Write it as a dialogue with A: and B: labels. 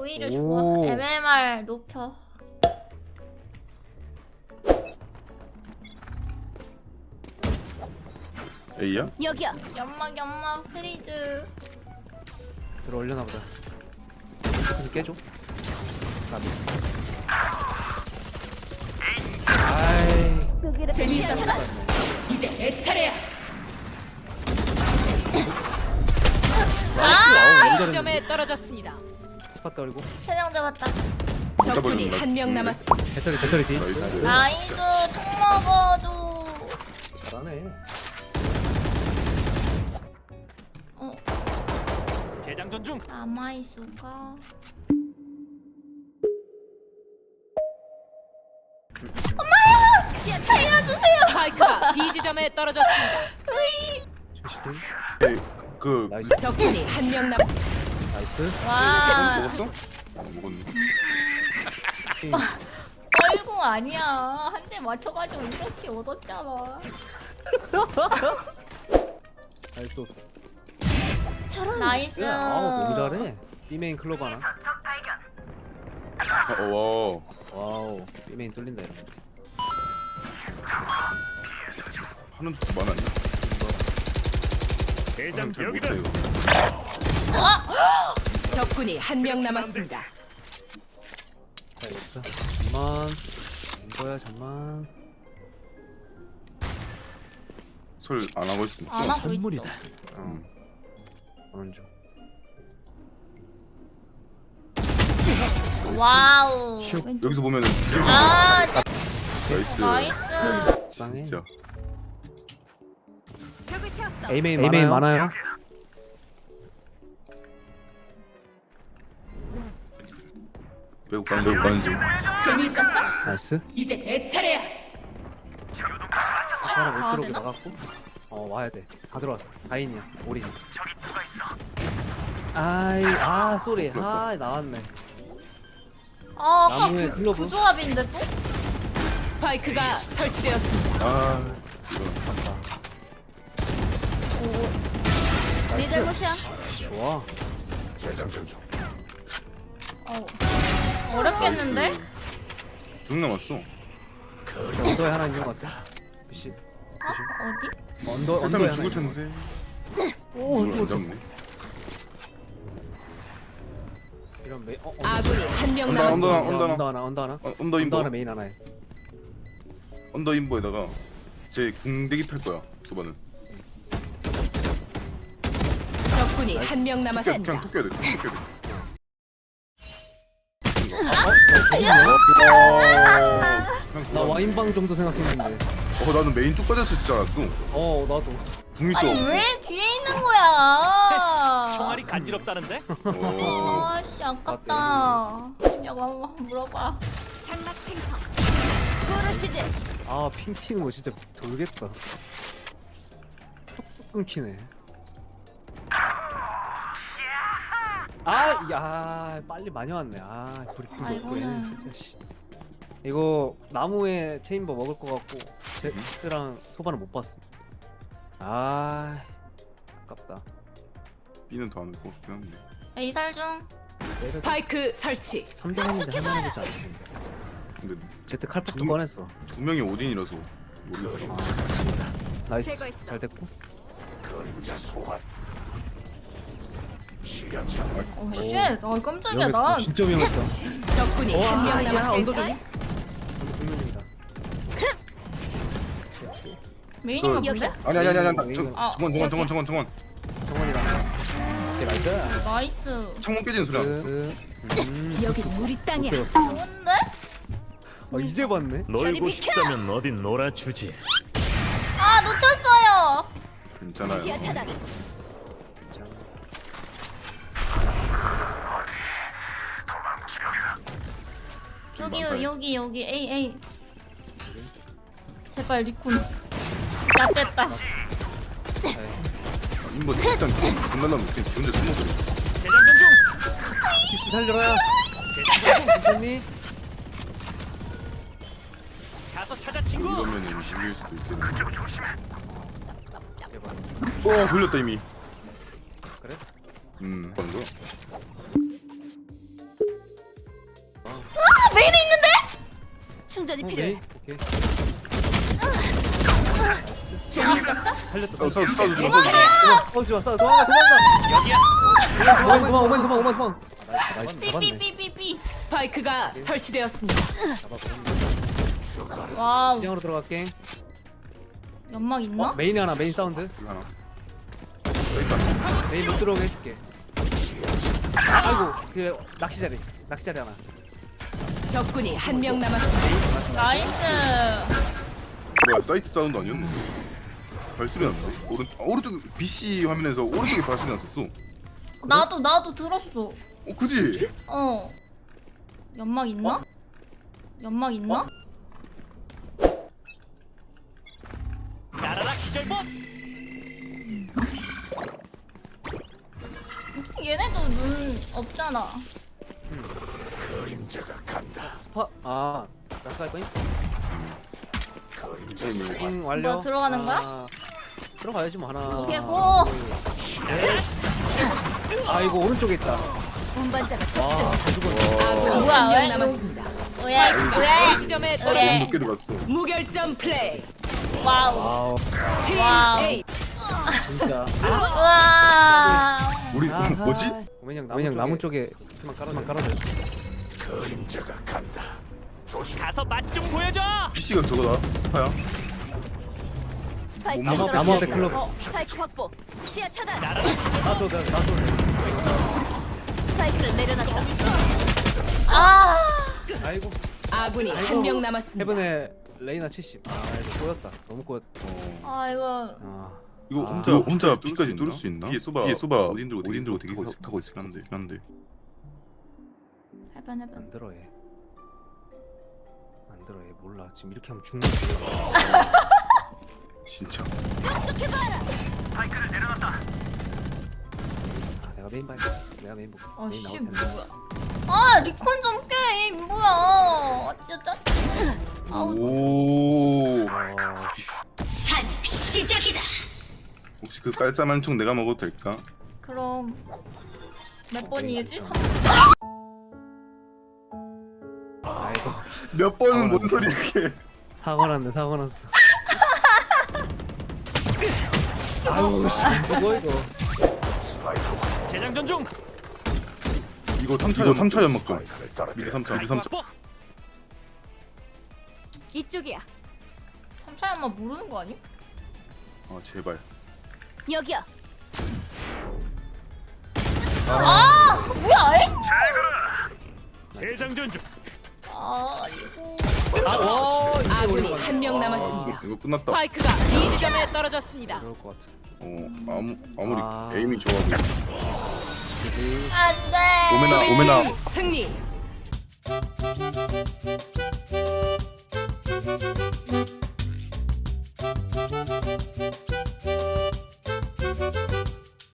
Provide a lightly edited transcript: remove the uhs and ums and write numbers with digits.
A: 오히려 좋아. MMR 높여.
B: A야?
C: 여기요.
A: 연막 플리즈.
D: 들어 올려나 보다. 그래서 깨줘. 나도. 아이.
C: 여기를 재미있었어.
E: 이제 내 차례야.
A: 아!
E: 점에 떨어졌습니다.
D: 스팟 떨고.
A: 3명 잡았다.
E: 적군이 한 명 남았습니다.
D: 배터리 뒤.
A: 나이스 총 먹어줘.
D: 잘하네.
F: 재장전 중.
A: 남아있을까? 엄마야! 살려주세요!
E: 스파이크가 B 지점에 떨어졌습니다.
D: 실시들.
B: 그
D: 나이스.
E: 적군이 한 명 남.
D: 나이스.
A: 와,
B: 먹었어? 먹었네.
A: 뻘궁 아니야. 한 대 맞춰가지고 이것이 얻었잖아.
D: 알 수 없어.
A: 나이스.
D: 아우 너무 잘해. B메인 클로브 하나.
B: 와.
D: 와우. B메인 뚫린다 이런 거.
B: 하는 도 많았냐?
F: 대장
B: 잘
F: 여기다.
B: 못해, 이거.
E: 적군이 한 명 남았습니다.
D: 자 여기서. 잠만. 이거야 잠만.
B: 설 안 하고 있어.
A: 안 하고 있어.
B: 응.
D: 오는 중.
A: 와우.
B: 여기서 보면은
A: 아,
B: 나이스.
A: 나이스.
D: 쌍해.
B: 진짜.
C: 벽을 세웠어.
D: A메인 많아요.
B: 매우 가는 중.
E: 재미있었어?
D: 나이스.
E: 이제 내 차례야.
D: 사람 못
A: 가야
D: 들어오게
A: 되나?
D: 나갔고. 와야 돼. 다 들어왔어. 다인이야. 오리. 아이 쏘리. 나왔네.
A: 아, 아까
D: 나무에 클로브.
A: 그 조합인데 또?
E: 스파이크가 설치되었습니다.
B: 아 이거
A: 리들 무시야.
D: 좋아.
A: 어렵겠는데?
B: 중 남았어.
D: 언더에 하나 있는 것 같아. PC.
A: 어디?
D: 언더에
B: 일단은
D: 하나
B: 죽을
D: 있는 것
B: 텐데.
D: 오
B: 이걸 안
D: 죽었다.
B: 잡네.
D: 이런 메인.
E: 아군이 한 명
B: 언더,
E: 남았습니다.
B: 언더.
D: 언더 하나.
B: 언더
D: 언더
B: 인보.
D: 하나 메인 하나에.
B: 언더 인보에다가 제 궁대기 팔 거야. 소바는.
E: 적군이 한 명
B: 그냥
E: 남았습니다.
B: 톡 껴야 돼. 톡 껴야 돼.
D: 나 와인방 정도 생각했는데.
B: 나는 메인 쭉 빠졌을 줄 알았어.
D: 나도.
B: 궁 있어.
A: 아니 왜 뒤에 있는 거야?
F: 총알이 간지럽다는데?
A: 아씨 아깝다. 그냥 한번 물어봐.
C: 장막 생성. 부르시지.
D: 핑 튀는 거 진짜 돌겠다. 뚝뚝 끊기네. 야 빨리 많이 왔네. 브리핑도
A: 아,
D: 없고 얘는
A: 이거는-
D: 진짜 씨. 이거 나무에 체인버 먹을 것 같고 제트랑 소바는 못 봤어. 아깝다.
B: B는 더 안 올 것 같긴 한데.
A: A살 중.
E: 스파이크 설치.
D: 3대 했는데 할만해 보지 않았는데.
B: 근데
D: 제트 칼폭도
B: 두-
D: 꺼냈어.
B: 두 명이 오딘이라서 모르겠어.
D: 나이스.
C: 제거했어.
D: 잘 됐고.
A: 쉣. 아 깜짝이야
D: 위험했다.
A: 난.
D: 진짜 위험했다.
E: 적군이 한 명
D: 언더
E: 남았습니다.
D: 중에. 분명입니다.
A: 메인인가
B: 그-
A: 본데?
B: 아니.
A: 아,
B: 정원.
D: 정원이랑. 오케이 나이스.
A: 나이스.
B: 창문 깨지는 소리 안 났어?
D: 나이스.
C: 여기 우리 땅이야.
A: 좋은데?
D: 이제 봤네.
F: 놀고 싶다면 어딘 놀아주지.
A: 아 놓쳤어요.
B: 괜찮아요.
C: 시야 차단.
A: 여기 A. 제발 리콘. 나 뗐다.
B: 인보 일단 중간나면 그냥 지 혼자 숨어버려.
F: 재장전 중.
D: PC 살려라.
F: 재장전 중.
D: 괜찮니?
F: 가서 찾아 친구.
B: 이러면은 밀릴 수도 있겠네. 돌렸다 이미.
D: 그래?
B: 하는 거야?
A: 메인에 있는데?
C: 충전이
D: 어,
C: 필요해.
D: 메인? 오케이.
A: 재밌었어?
D: 살렸다.
B: 싸워
D: 살렸다.
B: 싸워 싸워
D: 싸우지 마. 도망가.
F: 여기야.
D: 도망가. 나이스. 잡았네.
A: 삐삐삐삐삐.
E: 스파이크가 설치되었습니다.
A: 와우.
D: 시장으로 들어갈게.
A: 연막 있나?
D: 메인에 하나. 메인 사운드.
B: 하나
D: 메인 못 들어오게 해줄게. 아이고 그 낚시 자리 하나.
E: 적군이 한 명 남았습니다.
A: 나이스.
B: 뭐야 사이트 사운드 아니었는데 발소리 났는데 오른쪽 BC 화면에서 오른쪽에 발소리 났었어
A: 나도 들었어.
B: 그지?
A: 어. 연막 있나? 연막 있나?
F: 날아라 기절복.
A: 어떻게 얘네도 눈 없잖아.
D: 스파 나스갈 거임? 완료.
A: 뭐 들어가는 거야?
D: 들어가야지 뭐 하나.
A: 오케이, 고!
D: 아이고 오른쪽에 있다.
C: 운반자가
D: 와
C: 처치됐다.
D: 다 죽었네.
E: 아군이
A: 뭐야,
E: 한
A: 왜?
E: 명 남았습니다.
A: 왜?
E: 지점에
A: 왜?
E: 떨어졌습니다.
B: 높게 들어갔어
E: 무결점 플레이.
A: 와우.
D: 와우
E: 팀
A: 와우.
E: A.
D: 진짜.
A: 우와.
B: 우리 뭐지?
D: 오맨형 나무 쪽에 깔아줘.
F: 가서 맛 좀 보여줘.
B: BC가 저거다 스파야
C: 스파이크
B: 나무
C: 떨어졌다.
D: 앞에 클럽.
C: 스파이크 확보. 시야 차단.
D: 나줘.
C: 스파이크를 내려놨다.
A: 아.
D: 아이고
E: 아군이 한 명 남았습니다.
D: 해븐에 레이나 70. 이거 꼬였다. 너무 꼬였다.
A: 아, 이거.
B: 이거
D: 아.
B: 혼자 B까지 뚫을 수 있나? 뒤에 쏘바 어딘 들고 되게 타고 있긴 한데
A: 해봐.
D: 안 들어 얘. 안 들어 얘 몰라. 지금 이렇게 하면 죽는 거야.
B: 진짜
D: 내가 메인 봐야 내가 메인 보고.
A: 아,
D: 메인
A: 씨,
D: 나올 텐데.
A: 뭐야. 아, 리콘 좀 깨. 뭐야. 아, 진짜 짜. 아우.
B: 오
C: 산 시작이다.
B: 혹시 그 깔쌈한 총 내가 먹어도 될까?
A: 그럼 몇 번이지? 3.
D: 아이고
B: 몇 번은 뭔 소리 그게
D: 사고 났어. 아유 씨 이거.
F: 재장전 중.
B: 이거 3차 연막 좀 미드 3차
F: 확보.
C: 이쪽이야.
A: 3차 연막 모르는 거 아니야?
B: 아 제발
C: 여기야.
A: 아, 뭐야? 에?
F: 재장전 중.
A: 아, 이거.
E: 아군이 한 명 남았습니다.
B: 이거 끝났다
E: 스파이크가 B 지점에 떨어졌습니다.
D: 그럴 것 같아.
B: 아무리
D: 아.
B: 에임이 좋아도
D: 그지.
A: 안 돼.
B: 오메나
E: 수비팀 승리.